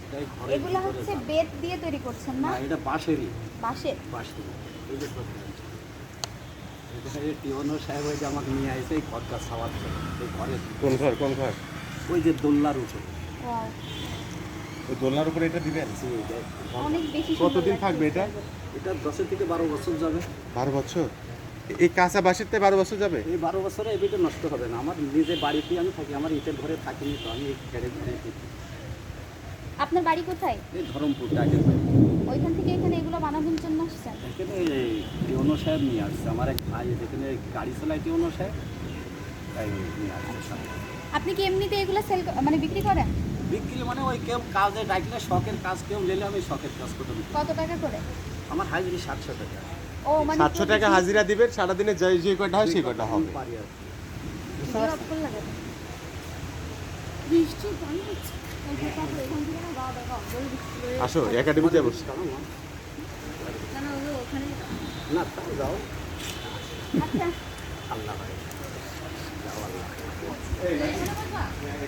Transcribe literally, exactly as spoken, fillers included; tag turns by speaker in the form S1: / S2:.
S1: এগুলো হচ্ছে বেত দিয়ে তৈরি করছেন না?
S2: না, এটা বাঁশেরই।
S1: বাঁশের?
S2: বাঁশেরই। এই যে এখানে টিওনো সাহেব ওই যে আমাকে নিয়ে আসে এই ঘরটা সাওয়াচ্ছে এই ঘরের।
S3: কোন ঘর কোন ঘর?
S2: ওই যে দোলনার উপরে।
S1: ওয়াও,
S3: ওই দোলনার উপরে এটা দিবেন?
S2: জি, এটা
S1: অনেক বেশি সুন্দর
S3: কতদিন
S1: লাগছে
S3: থাকবে এটা?
S2: এটা দশ থেকে বারো বছর যাবে।
S3: বারো বছর? এই কাঁচা বাঁশেরতে বারো বছর যাবে?
S2: এই বারো বছরে এই বিটা নষ্ট হবে না। আমার নিজে বাড়িতেই আমি থাকি, আমার ইটের ঘরে থাকিনি তো, আমি এই ঘরে ঘরে থাকি।
S1: আপনার বাড়ি কোথায়?
S2: এই ধরমপুর টাইটের বাড়ি।
S1: ওইখান থেকে এখানে এগুলো বানানোর জন্য আসছেন?
S2: এখানে এই টিওনো সাহেব নিয়ে আসছে, আমার এক ভাই যেখানে গাড়ি চালায় টিওনো সাহেব, তাই নিয়ে আসছে সাথে।
S1: আপনি কি এমনিতে এগুলো সেল মানে বিক্রি করেন?
S2: বিক্রি মানে ওই কেউ কাজে ডাকলে শখের কাজ কেউ নিলে আমি শখের কাজ করতে দিই।
S1: কত টাকা করে?
S2: আমার হাজিরি সাতশো টাকা।
S1: ও মানে
S3: সাতশো টাকা হাজিরা দিবেন, সারাদিনে যে যে কয়টা হয় সেই কয়টা হবে।
S2: পারি আর কি।
S1: ভিডিও অফ করে লাগাবেন। বৃষ্টি পানি হচ্ছে। ওইটা তারপরে এখান থেকে না গাওয়া দেখা বলে দিচ্ছিল।
S3: আসো একাডেমিতে বসো।
S1: কেন ওগুলো ওখানে?
S2: না তাও যাও,
S1: আচ্ছা।
S2: আল্লাহ ভাই যাও আল্লাহ।
S1: এখানে বসবা?